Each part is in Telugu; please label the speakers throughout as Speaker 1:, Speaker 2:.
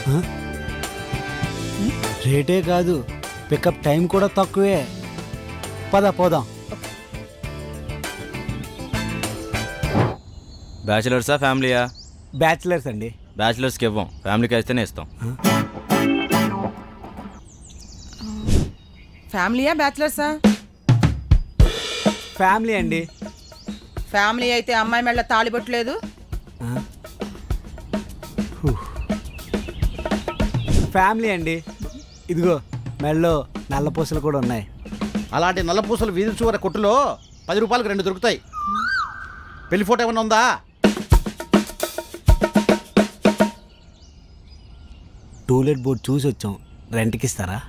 Speaker 1: రేటే కాదు, పికప్ టైం కూడా తక్కువే. పోదాం.
Speaker 2: బ్యాచిలర్సా ఫ్యామిలీయా?
Speaker 1: బ్యాచిలర్స్ అండి.
Speaker 2: బ్యాచిలర్స్కి ఇవ్వం, ఫ్యామిలీకి అయితేనే ఇస్తాం.
Speaker 3: ఫ్యామిలీయా బ్యాచిలర్సా?
Speaker 1: ఫ్యామిలీ అండి.
Speaker 3: ఫ్యామిలీ అయితే అమ్మాయి మెళ్ళ తాళిబొట్టలేదు.
Speaker 1: ఫ్యామిలీ అండి. ఇదిగో మెళ్ళో నల్ల పూసలు కూడా ఉన్నాయి.
Speaker 4: అలాంటి నల్ల పూసలు వీధి చివర కొట్టులో 10 రూపాయలకు 2 దొరుకుతాయి. పెళ్లి ఫోటో ఏమన్నా ఉందా?
Speaker 1: టూలెట్ బోర్డు చూసి వచ్చాం, రెంట్కి ఇస్తారా?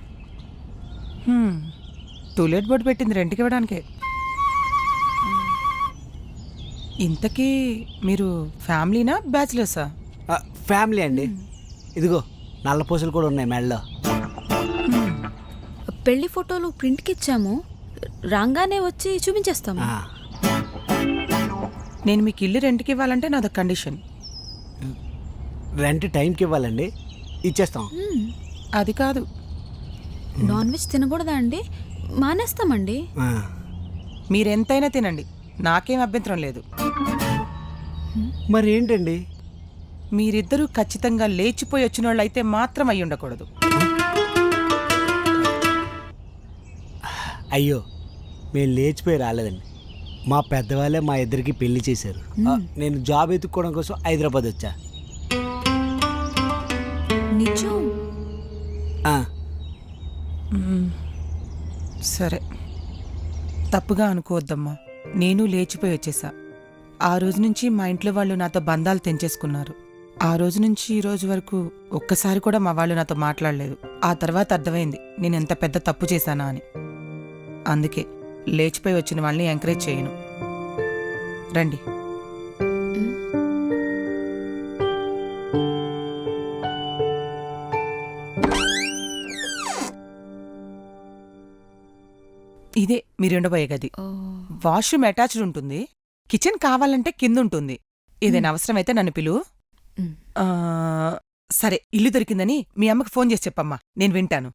Speaker 3: టూలెట్ బోర్డు పెట్టింది రెంట్కి ఇవ్వడానికే. ఇంతకీ మీరు ఫ్యామిలీనా బ్యాచిలర్సా?
Speaker 1: ఫ్యామిలీ అండి. ఇదిగో నల్ల పూసలు కూడా ఉన్నాయి మెళ్ళో.
Speaker 5: పెళ్లి ఫోటోలు ప్రింట్కి ఇచ్చాము, రాగానే వచ్చి చూపించేస్తాము.
Speaker 3: నేను మీకు ఇల్లు రెంట్కి ఇవ్వాలంటే నాది కండిషన్.
Speaker 1: రెంట్ టైంకి ఇవ్వాలండి, ఇచ్చేస్తాం.
Speaker 3: అది కాదు.
Speaker 5: నాన్ వెజ్ తినకూడదా అండి? మానేస్తామండి.
Speaker 3: మీరెంతైనా తినండి, నాకేం అభ్యంతరం లేదు.
Speaker 1: మరి ఏంటండి?
Speaker 3: మీరిద్దరూ ఖచ్చితంగా లేచిపోయి వచ్చిన వాళ్ళు అయితే మాత్రం అయి ఉండకూడదు.
Speaker 1: అయ్యో, మేము లేచిపోయి రాలేదండి. మా పెద్దవాళ్ళే మా ఇద్దరికి పెళ్లి చేశారు. నేను జాబ్ ఎత్తుక్కోవడం కోసం హైదరాబాద్ వచ్చా.
Speaker 5: నిజం?
Speaker 3: సరే, తప్పుగా అనుకోవద్దమ్మా. నేను లేచిపోయి వచ్చేసా. ఆ రోజు నుంచి మా ఇంట్లో వాళ్ళు నాతో బంధాలు తెంచేసుకున్నారు. ఆ రోజు నుంచి ఈ రోజు వరకు ఒక్కసారి కూడా మా వాళ్ళు నాతో మాట్లాడలేదు. ఆ తర్వాత అర్థమైంది నేను ఎంత పెద్ద తప్పు చేశానా అని. అందుకే లేచిపోయి వచ్చిన వాళ్ళని ఎంకరేజ్ చేయను. రండి. ఇదే మీరుండబోయే గది. వాష్రూమ్ అటాచ్డ్ ఉంటుంది. కిచెన్ కావాలంటే కింద ఉంటుంది. ఏదైనా అవసరమైతే నన్ను పిలువు. సరే, ఇల్లు దొరికిందని మీ అమ్మకి ఫోన్ చేసి చెప్పమ్మా, నేను వింటాను.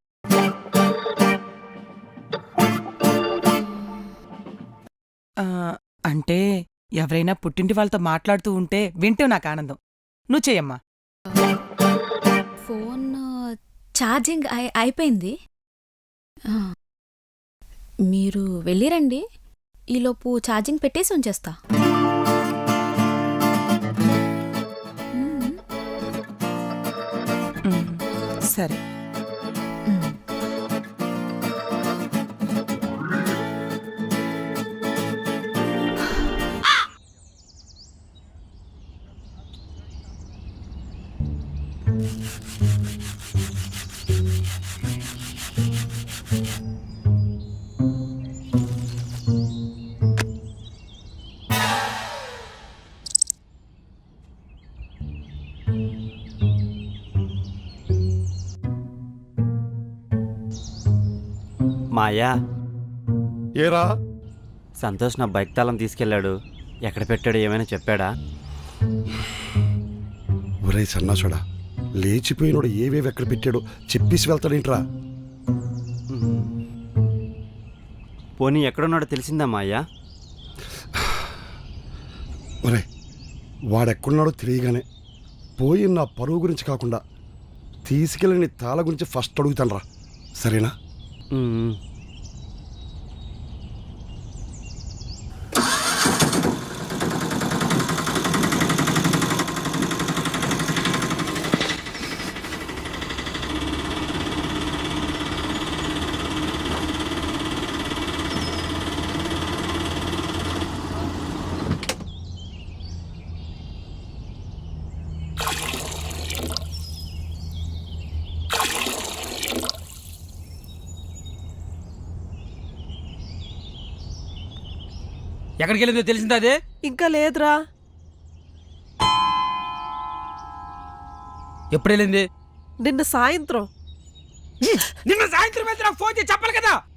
Speaker 3: అంటే ఎవరైనా పుట్టింటి వాళ్ళతో మాట్లాడుతూ ఉంటే వింటే నాకు ఆనందం. నువ్వు చెయ్యమ్మా.
Speaker 5: ఫోన్ ఛార్జింగ్ అయిపోయింది. మీరు వెళ్ళిరండి, ఈలోపు ఛార్జింగ్ పెట్టేసి ఉంచేస్తా.
Speaker 3: సరే.
Speaker 6: మాయా,
Speaker 4: ఏరా?
Speaker 6: సంతోష్ నా బైక్ తాళం తీసుకెళ్ళాడు. ఎక్కడ పెట్టాడు, ఏమైనా చెప్పాడా?
Speaker 7: ఒరే సన్నాసుడా, లేచిపోయినోడు ఏవేవి ఎక్కడ పెట్టాడో చెప్పేసి వెళ్తాడేంట్రా?
Speaker 6: పోనీ ఎక్కడున్నాడో తెలిసిందా మాయా?
Speaker 7: ఒరే, వాడెక్కడున్నాడో తెలియగానే పోయి నా పరువు గురించి కాకుండా తీసుకెళ్ళి నీ తాళ గురించి ఫస్ట్ అడుగుతాను రా, సరేనా?
Speaker 8: ఎక్కడికి వెళ్ళిందో తెలిసిందా? అదే
Speaker 3: ఇంకా లేదురా.
Speaker 8: ఎప్పుడు వెళ్ళింది?
Speaker 3: నిన్న సాయంత్రం.
Speaker 8: నిన్న సాయంత్రం అయితే నాకు ఫోన్ చేసి చెప్పాలి కదా.